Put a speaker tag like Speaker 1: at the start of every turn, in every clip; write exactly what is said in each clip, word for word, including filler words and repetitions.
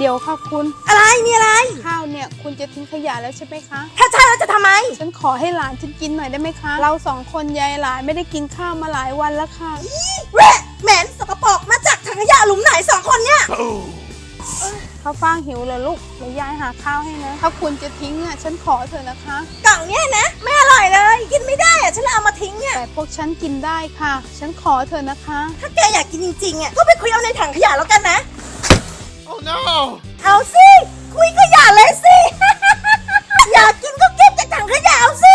Speaker 1: เดี๋ยวค่ะคุณ
Speaker 2: อะไรมีอะไร
Speaker 1: ข้าวเนี่ยคุณจะทิ้งขยะแล้วใช่ไหมคะ
Speaker 2: ถ้าใช่แล้วจะทำไม
Speaker 1: ฉันขอให้หลานฉันกินหน่อยได้ไหมคะ เราสองคนยายหลานไม่ได้กินข้าวมาหลายวันแล้วค่ะ
Speaker 2: แหวะเหม็นสกปรกมาจากถังขยะหลุมไหนสองคนเนี่ย
Speaker 1: ข้าวฟ่างหิวเหรอลูกเดี๋ยวยายหาข้าวให้นะ ถ้าคุณจะทิ้งอ่ะฉันขอเถอะนะคะ
Speaker 2: กล่องเนี่ยนะไม่อร่อยเลย กินไม่ได้อะฉันเลยเอามาทิ้งเนี่ย
Speaker 1: แต่พวกฉันกินได้ค่ะ ฉันขอเถอะนะคะ
Speaker 2: ถ้าแกอยากกินจริงๆอ่ะก็ไปคุยเอาในถังขยะแล้วกันนะ
Speaker 3: Oh no!
Speaker 2: เอาสิคุยขยะเลยสิ อยากกินก็เก็บจากถังขยะเอาสิ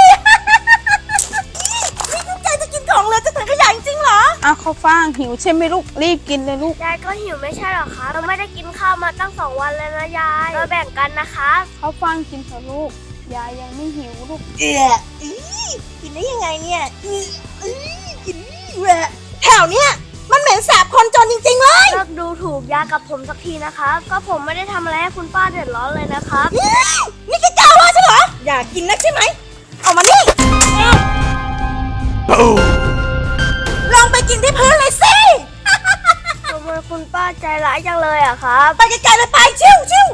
Speaker 2: นี่พวกแกจะกินของเหลยจากถังขยะจริงๆเหรอ
Speaker 1: อ้าวข้าวฟ่างหิวใช่ไหมลูกรีบกินเลยลูก
Speaker 4: ยายก็หิวไม่ใช่หรอคะเราไม่ได้กินข้าวมาตั้งสองวันแล้วนะยายเราแบ่งกันนะคะ
Speaker 1: ข้าวฟ่างกินเถอะลูกยายยังไม่หิวลูก
Speaker 2: เอะอีกินได้ยังไงเนี่ยอีอีกินแหวะแถวเนี้ยมันเหม็นสาบคนจนจริงๆเลย
Speaker 4: เลิกดูถูกยายกับผมสักทีนะคะก็ผมไม่ได้ทำอะไรให้คุณป้าเดือดร้อนเลยนะครับ
Speaker 2: อีนี่แกกล้าว่าฉันเหรอ อยากกินนักใช่ไหมเอามานี่
Speaker 3: Boom!
Speaker 2: ลองไปกินที่พื้นเลยสิ
Speaker 4: ทำไมคุณป้าใจร้ายจังเลยอะครับ
Speaker 2: ไปไกลๆเลยไปชิวชิว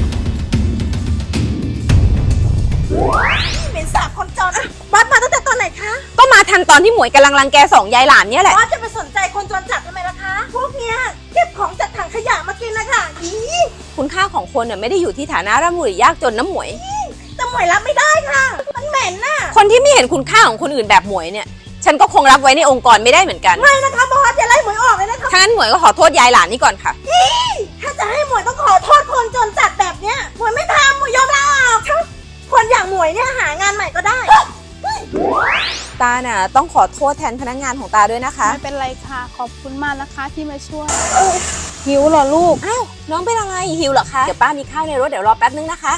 Speaker 2: เหม็นสาบคนจนอะวัดมาตั้งแต่ตอนไหนคะ
Speaker 5: ก็มาทันตอนที่หมวยกำลังรังแกสองยายหลานเนี่ยแหละ
Speaker 2: วัดจะไปสนใจคนจนจัดทำไมล่ะคะ พวกเนี้ยเก็บของจากถังขยะมากินนะคะอี
Speaker 5: คุณค่าของคนเนี่ยไม่ได้อยู่ที่ฐานะร่ำรวยหรือยากจนน้ำหมวย
Speaker 2: แต่หมวยรับไม่ได้ค่ะ มันเหม็นน่ะ
Speaker 5: คนที่ไม่เห็นคุณค่าของคนอื่นแบบหมวยเนี่ย ฉันก็คงรับไว้ในองค์กรไม่ได้เหมือนกัน
Speaker 2: ไม่นะคะบอสอย่าไล่หมวยออกเลยนะคะ
Speaker 5: ถ้างั้นหมวยก็ขอโทษยายหลานนี่ก่อนค่ะ
Speaker 2: ถ้าจะให้หมวยต้องขอโทษคนจนจัดแบบเนี้ยหมวยไม่ทำหมวยยอมลาออกคนอย่างหมวยเนี่ยหางานใหม่ก็ได้
Speaker 5: ตาน่ะต้องขอโทษแทนพนักงานของตาด้วยนะคะ
Speaker 1: ไม่เป็นไรค่ะ ขอบคุณมากนะคะที่มาช่วยหิวเหรอลูก
Speaker 5: อ้าวน้องเป็นอะไรหิวเหรอคะ เดี๋ยวป้ามีข้าวในรถเดี๋ยวรอแป๊บนึงนะคะ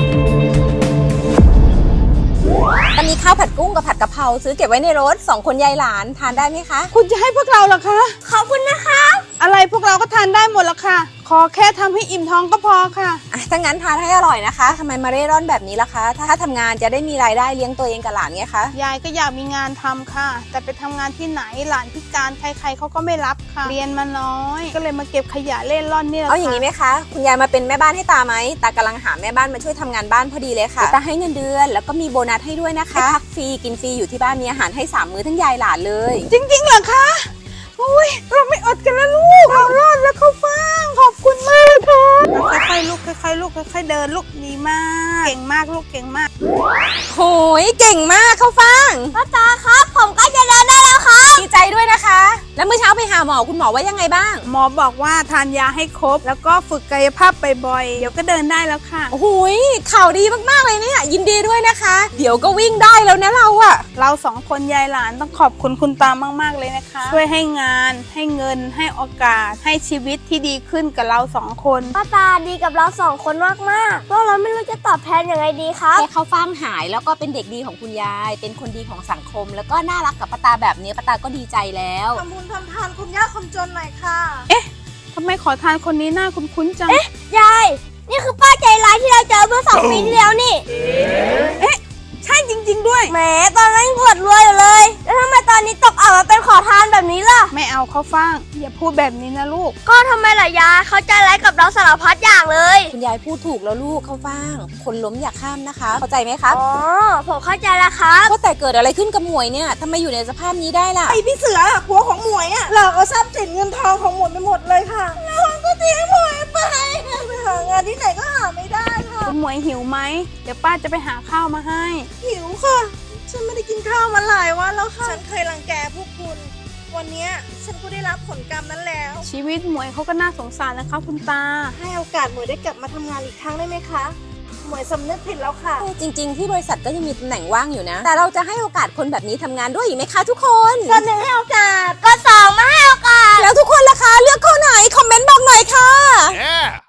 Speaker 5: ป้ามีข้าวผัดกุ้งกับผัดกะเพราซื้อเก็บไว้ในรถสองคนยายหลานทานได้ไหมคะ
Speaker 1: คุณจะให้พวกเราเหรอคะ
Speaker 4: ขอบคุณนะคะ
Speaker 1: อะไรพวกเราก็ทานได้หมดละค่ะ ขอแค่ทำให้อิ่มท้องก็พอค่ะ
Speaker 5: อ่ะถ้างั้นทานให้อร่อยนะคะทำไมมาเร่ร่อนแบบนี้ล่ะคะ ถ้าถ้าทำงานจะได้มีรายได้เลี้ยงตัวเองกับหลานไงคะ
Speaker 1: ยายก็อยากมีงานทำค่ะ แต่ไปทำงานที่ไหนหลานพิการใครๆเขาก็ไม่รับค่ะ เรียนมาน้อย ก็เลยมาเก็บขยะเล่นร่อนนี่แหละ
Speaker 5: เอาอย่างนี้ไหมคะ คุณยายมาเป็นแม่บ้านให้ตาไหมตากำลังหาแม่บ้านมาช่วยทำงานบ้านพอดีเลยค่ะตาให้เงินเดือนแล้วก็มีโบนัสให้ด้วยนะคะพักฟรีกินฟรีอยู่ที่บ้านมีอาหารให้สามมื้อทั้งยายหลานเลย
Speaker 1: จริงๆเหรอคะอุ้ยเราไม่อดกันแล้วลูกเรารอดแล้วเขาฟังขอบคุณมากค่ะค่อยๆลูกค่อยๆลูกค่อยๆเดินลูกดีมาก เก่งมากลูกเก่งมาก
Speaker 5: โหยเก่งมากเข้าฟัง
Speaker 4: ป้าตาครับผมก็จะเดินได้แล้วครับ
Speaker 5: ดีใจด้วยนะคะ แล้วเมื่อเช้าไปหาหมอคุณหมอว่ายังไงบ้าง
Speaker 1: หมอบอกว่าทานยาให้ครบ แล้วก็ฝึกกายภาพบ่อยๆเดี๋ยวก็เดินได้แล้วค่ะ
Speaker 5: โอ้โหยข่าวดีมากๆเลยเนี่ยยินดีด้วยนะคะ เดี๋ยวก็วิ่งได้แล้วนะเราอะ
Speaker 1: เราสองคนยายหลานต้องขอบคุณคุณตามากๆเลยนะคะ ช่วยให้งานให้เงินให้โอกาสให้ชีวิตที่ดีขึ้นกับเราสองคน
Speaker 4: ป้าตาดีกับเราสองคนมากๆพวกเราไม่รู้จะตอบแทนยังไงดีครับ
Speaker 5: แค่เขาฟังหายแล้วก็เป็นเด็กดีของคุณยาย เป็นคนดีของสังคม แล้วก็น่ารักกับป้าตาแบบนี้ป้าตาก็ดีใจแล้ว
Speaker 2: ทำบุญทำทานคนยากคนจนหน่อยค่ะ
Speaker 1: ทำไมขอทานคนนี้หน้าคุ้นๆจัง
Speaker 4: ยาย นี่คือป้าใจร้ายที่เราเจอเมื่อสองปีที่แล้วนี่
Speaker 1: ใช่จริง ๆด้วย
Speaker 4: แหมตอนนั้นอวดรวยอยู่เลย แล้วทำไมตอนนี้ตกอับมาเป็นขอทานแบบนี้ล่ะ
Speaker 1: ไม่เอาเขาฟังอย่าพูดแบบนี้นะลูก
Speaker 4: ก็ทำไมล่ะยายเขาใจร้ายกับเราสารพัดอย่างเลย
Speaker 5: คุณยายพูดถูกแล้วลูกเข้าฟังคนล้มอย่าข้ามนะคะ เข้าใจไหมครับ
Speaker 4: อ๋อ ผมเข้าใจแล้วครับ
Speaker 5: ก็แต่เกิดอะไรขึ้นกับหมวยเนี่ยทำไมอยู่ในสภาพนี้ได้ล่ะ
Speaker 2: ไอพี่เสือผัวของหมวยอะหลอกเอาทรัพย์สินเงินทองของหมวยไปหมดเลยค่ะแล้วมันก็ทิ้งหมวยไปไปหางานที่ไหนก็หาไม่ได้ค่ะ
Speaker 1: คุณหมวยหิวไหม เดี๋ยวป้าจะไปหาข้าวมาให้
Speaker 2: หิวค่ะ ฉันไม่ได้กินข้าวมาหลายวันแล้วค่ะ ฉันเคยรังแกพวกคุณ วันเนี้ยฉันก็ได้รับผลกรรมนั้นแล้ว
Speaker 1: ชีวิตหมวยเขาก็น่าสงสารนะคะคุณตา
Speaker 2: ให้โอกาสหมวยได้กลับมาทำงานอีกครั้งได้ไหมคะ หมวยสำนึกผิดแล้วค่ะ
Speaker 5: จริงๆที่บริษัทก็ยังมีตำแหน่งว่างอยู่นะ แต่เราจะให้โอกาสคนแบบนี้ทำงานด้วยอีกไหมคะทุกคน
Speaker 2: ก็หนึ่งให้โอกาส
Speaker 4: ก็สองมาให้โอกาส
Speaker 5: แล้วทุกคนล่ะคะเลือกข้อไหนคอมเมนต์บอกหน่อยค่ะ
Speaker 3: Yeah!